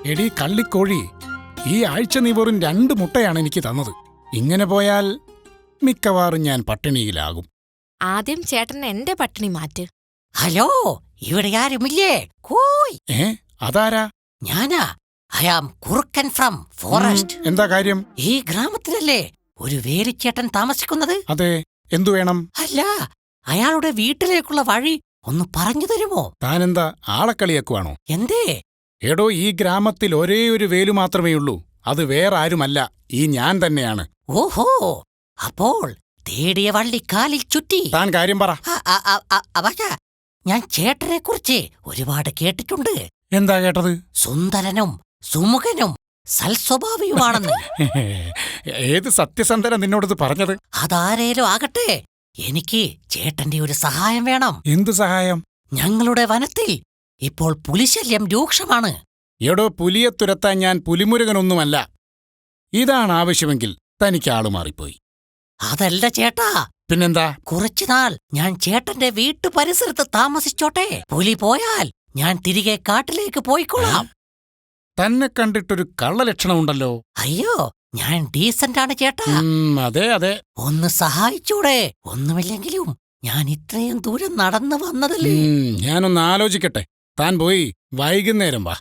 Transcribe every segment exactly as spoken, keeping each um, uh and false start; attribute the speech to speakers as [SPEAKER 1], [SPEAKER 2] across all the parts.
[SPEAKER 1] എടീ കള്ളിക്കോഴി, ഈ ആഴ്ച നീ വെറും രണ്ട് മുട്ടയാണ് എനിക്ക് തന്നത്. ഇങ്ങനെ പോയാൽ മിക്കവാറും ഞാൻ പട്ടിണിയിലാകും.
[SPEAKER 2] ആദ്യം ചേട്ടൻ എന്റെ പട്ടിണി മാറ്റ്.
[SPEAKER 3] ഹലോ, ഇവിടെ ആരുമില്ലേ? കോയ്.
[SPEAKER 1] ഏ അതാരാ?
[SPEAKER 3] ഞാനാ. ഐ ആം കുറുക്കൻ ഫ്രം ഫോറസ്റ്റ്.
[SPEAKER 1] എന്താ കാര്യം?
[SPEAKER 3] ഈ ഗ്രാമത്തിലല്ലേ ഒരു വേലിച്ചേട്ടൻ താമസിക്കുന്നത്?
[SPEAKER 1] അതെ, എന്തു വേണം?
[SPEAKER 3] അല്ല, അയാളുടെ വീട്ടിലേക്കുള്ള വഴി ഒന്ന് പറഞ്ഞു തരുമോ?
[SPEAKER 1] താനെന്താ ആളക്കളിയാക്കുവാണോ?
[SPEAKER 3] എന്തേ?
[SPEAKER 1] എടോ, ഈ ഗ്രാമത്തിൽ ഒരേ ഒരു വേലു മാത്രമേയുള്ളൂ. അത് വേറെ ആരുമല്ല, ഈ ഞാൻ തന്നെയാണ്.
[SPEAKER 3] ഓഹോ, അപ്പോൾ തേടിയ വള്ളി കാലിൽ ചുറ്റി.
[SPEAKER 1] താൻ കാര്യം പറ.
[SPEAKER 3] അവശ, ഞാൻ ചേട്ടനെ കുറിച്ച് ഒരുപാട് കേട്ടിട്ടുണ്ട്.
[SPEAKER 1] എന്താ കേട്ടത്?
[SPEAKER 3] സുന്ദരനും സുമുഖനും സൽസ്വഭാവിയുമാണെന്ന്.
[SPEAKER 1] ഏത് സത്യസന്ധന നിന്നോടത് പറഞ്ഞത്?
[SPEAKER 3] അതാരേലും ആകട്ടെ, എനിക്ക് ചേട്ടന്റെ ഒരു സഹായം വേണം.
[SPEAKER 1] എന്തു സഹായം?
[SPEAKER 3] ഞങ്ങളുടെ വനത്തിൽ ഇപ്പോൾ പുലിശല്യം രൂക്ഷമാണ്.
[SPEAKER 1] എടോ, പുലിയെ തുരത്താൻ ഞാൻ പുലിമുരുകനൊന്നുമല്ല. ഇതാണ് ആവശ്യമെങ്കിൽ തനിക്ക് ആളു മാറിപ്പോയി.
[SPEAKER 3] അതല്ല ചേട്ടാ.
[SPEAKER 1] പിന്നെന്താ?
[SPEAKER 3] കുറച്ചുനാൾ ഞാൻ ചേട്ടന്റെ വീട്ടു പരിസരത്ത് താമസിച്ചോട്ടെ. പുലി പോയാൽ ഞാൻ തിരികെ കാട്ടിലേക്ക് പോയിക്കൊള്ളാം.
[SPEAKER 1] തന്നെ കണ്ടിട്ടൊരു കള്ളലക്ഷണമുണ്ടല്ലോ.
[SPEAKER 3] അയ്യോ, ഞാൻ ഡീസന്റാണ് ചേട്ടാ.
[SPEAKER 1] അതെ അതെ.
[SPEAKER 3] ഒന്ന് സഹായിച്ചൂടെ? ഒന്നുമില്ലെങ്കിലും ഞാൻ ഇത്രയും ദൂരം നടന്നു വന്നതല്ലേ.
[SPEAKER 1] ഞാനൊന്ന് ആലോചിക്കട്ടെ. താൻ പോയി വൈകുന്നേരം വാ.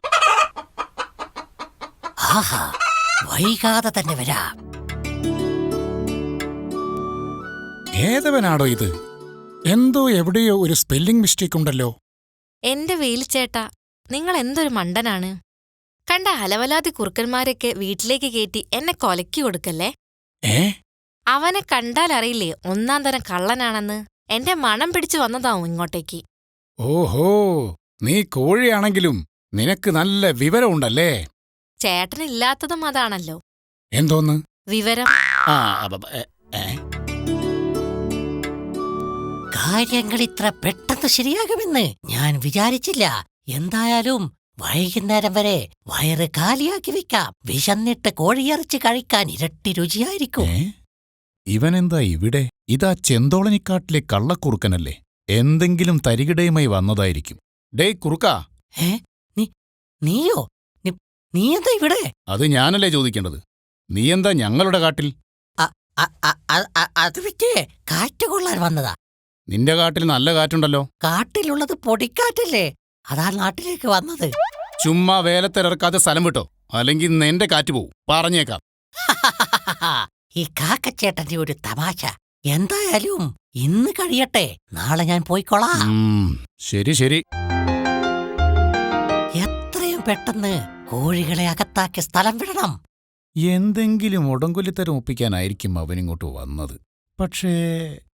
[SPEAKER 3] ആഹാ, വൈകാതെ തന്നെ വരാം.
[SPEAKER 1] ഏതവനാടോ ഇത്? എന്തോ എവിടെയോ ഒരു സ്പെല്ലിംഗ് മിസ്റ്റേക്ക് ഉണ്ടല്ലോ.
[SPEAKER 2] എന്റെ വേലിച്ചേട്ടാ, നിങ്ങൾ എന്തൊരു മണ്ടനാണ്. കണ്ട അലവലാതി കുറുക്കന്മാരൊക്കെ വീട്ടിലേക്ക് കയറ്റി എന്നെ കൊലക്കി കൊടുക്കല്ലേ.
[SPEAKER 1] ഏ
[SPEAKER 2] അവനെ കണ്ടാലറിയില്ലേ ഒന്നാം തരം കള്ളനാണെന്ന്. എന്റെ മണം പിടിച്ചു വന്നതാവും ഇങ്ങോട്ടേക്ക്.
[SPEAKER 1] ഓഹോ, നീ കോഴിയാണെങ്കിലും നിനക്ക് നല്ല വിവരമുണ്ടല്ലേ.
[SPEAKER 2] ചേട്ടനില്ലാത്തതും അതാണല്ലോ.
[SPEAKER 1] എന്തോന്ന്
[SPEAKER 2] വിവരം?
[SPEAKER 1] ആ
[SPEAKER 3] കാര്യങ്ങൾ ഇത്ര പെട്ടെന്ന് ശരിയാകുമെന്ന് ഞാൻ വിചാരിച്ചില്ല. എന്തായാലും വൈകുന്നേരം വരെ വയറ് കാലിയാക്കി വെക്കാം. വിശന്നിട്ട് കോഴിയിറച്ചി കഴിക്കാൻ ഇരട്ടി രുചിയായിരിക്കും.
[SPEAKER 1] ഇവനെന്താ ഇവിടെ? ഇതാ ചെന്തോളനിക്കാട്ടിലെ കള്ളക്കുറുക്കനല്ലേ. എന്തെങ്കിലും തരികിടയുമായി വന്നതായിരിക്കും. ഡേ കുറുക്കാ.
[SPEAKER 3] ഏ നീയോ? നീ എന്താ ഇവിടെ?
[SPEAKER 1] അത് ഞാനല്ലേ ചോദിക്കേണ്ടത്. നീ എന്താ ഞങ്ങളുടെ കാട്ടിൽ?
[SPEAKER 3] അത് വിറ്റ് കാറ്റ് കൊള്ളാൻ വന്നതാ.
[SPEAKER 1] നിന്റെ കാട്ടിൽ നല്ല കാറ്റുണ്ടല്ലോ.
[SPEAKER 3] കാട്ടിലുള്ളത് പൊടിക്കാറ്റല്ലേ, അതാ നാട്ടിലേക്ക് വന്നത്.
[SPEAKER 1] ചുമ്മാ വേലത്തിലിറക്കാതെ സ്ഥലം വിട്ടോ, അല്ലെങ്കിൽ നിന്റെ കാറ്റ് പോവും. പറഞ്ഞേക്കാം.
[SPEAKER 3] ഈ കാക്കച്ചേട്ടന്റെ ഒരു തമാശ. എന്തായാലും ഇന്ന് കഴിയട്ടെ, നാളെ ഞാൻ പോയിക്കോളാം.
[SPEAKER 1] ശരി ശരി.
[SPEAKER 3] എത്രയും പെട്ടെന്ന് കോഴികളെ അകത്താക്കി സ്ഥലം വിടണം.
[SPEAKER 1] എന്തെങ്കിലും ഉടങ്കൊല്ലിത്തരം ഒപ്പിക്കാനായിരിക്കും അവനിങ്ങോട്ട് വന്നത്. പക്ഷേ